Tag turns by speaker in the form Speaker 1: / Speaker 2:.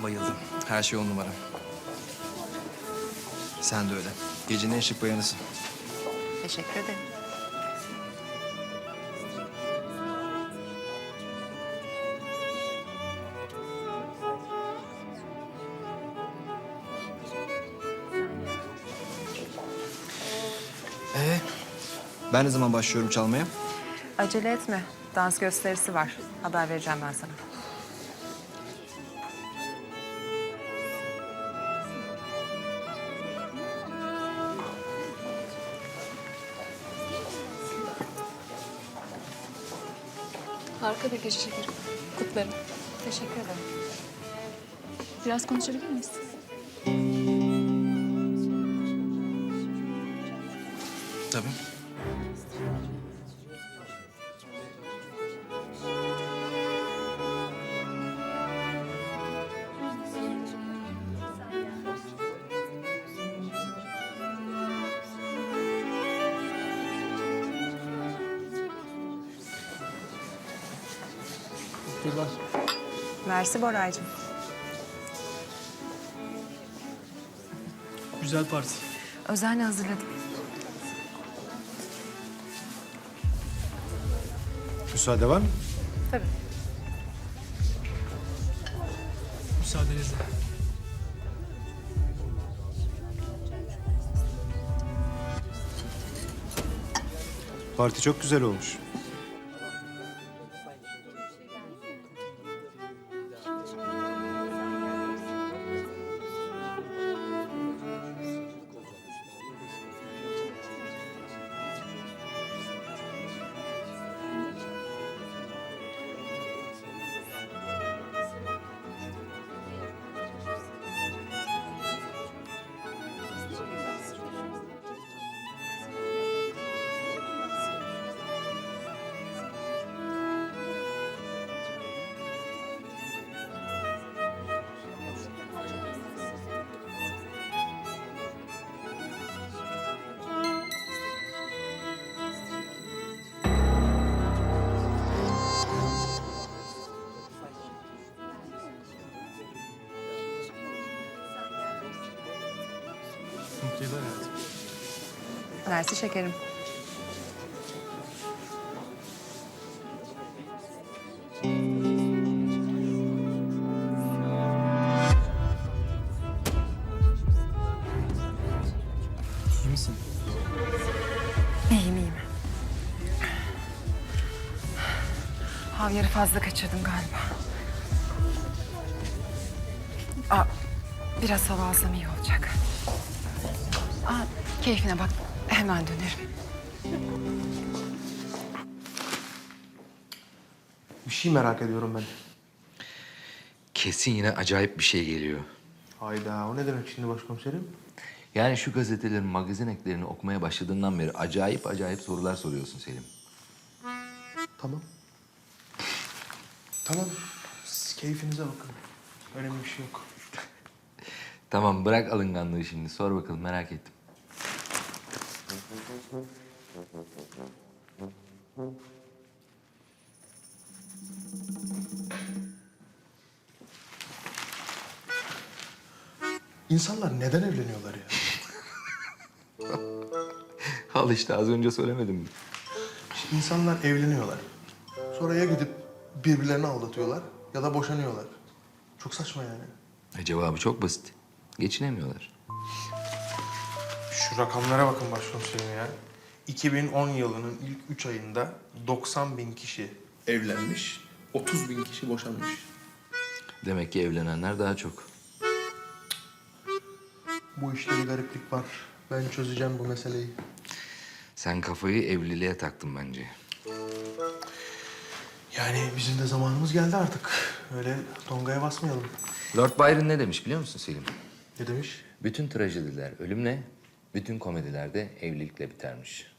Speaker 1: bayıldım. Her şey on numara. Sen de öyle. Gecenin en şık bayanısın.
Speaker 2: Teşekkür ederim.
Speaker 1: Ben ne zaman başlıyorum çalmaya?
Speaker 2: Acele etme. Dans gösterisi var. Haber vereceğim ben sana.
Speaker 3: Harika bir gece şekerim. Kutlarım.
Speaker 2: Teşekkür ederim.
Speaker 3: Biraz konuşabilir miyiz?
Speaker 1: Tabii.
Speaker 2: Mersi Boraycığım.
Speaker 4: Güzel parti.
Speaker 2: Özenle hazırladım.
Speaker 5: Müsaade var mı?
Speaker 2: Tabii.
Speaker 4: Müsaadenizle.
Speaker 5: Parti çok güzel olmuş.
Speaker 4: Mutlu yıllar hayatım.
Speaker 2: Mersi şekerim.
Speaker 4: İyi misin?
Speaker 2: İyiyim. Havyarı fazla kaçırdım galiba. Biraz hava alsam iyi olacak. Keyfine bak. Hemen dönerim.
Speaker 6: Bir şey merak ediyorum ben.
Speaker 7: Kesin yine acayip bir şey geliyor.
Speaker 6: Hayda, o ne demek şimdi başkomiserim?
Speaker 7: Yani şu gazetelerin, magazin eklerini okumaya başladığından beri acayip acayip sorular soruyorsun Selim.
Speaker 6: Tamam. Tamam, siz keyfinize bakın. Önemli bir şey yok.
Speaker 7: Tamam bırak alınganlığı şimdi. Sor bakalım merak ettim.
Speaker 6: İnsanlar neden evleniyorlar ya?
Speaker 7: Al işte az önce söylemedim mi?
Speaker 6: İşte İnsanlar evleniyorlar. Sonra ya gidip birbirlerini aldatıyorlar ya da boşanıyorlar. Çok saçma yani.
Speaker 7: Cevabı çok basit. Geçinemiyorlar.
Speaker 6: Şu rakamlara bakın başkomiserim ya. 2010 yılının ilk 3 ayında 90 bin kişi evlenmiş, 30 bin kişi boşanmış.
Speaker 7: Demek ki evlenenler daha çok.
Speaker 6: Bu işte bir gariplik var. Ben çözeceğim bu meseleyi.
Speaker 7: Sen kafayı evliliğe taktın bence.
Speaker 6: Yani bizim de zamanımız geldi artık. Öyle dongaya basmayalım.
Speaker 7: Lord Byron ne demiş biliyor musun Selim?
Speaker 6: Ne demiş?
Speaker 7: Bütün trajediler ölümle, bütün komediler de evlilikle bitermiş.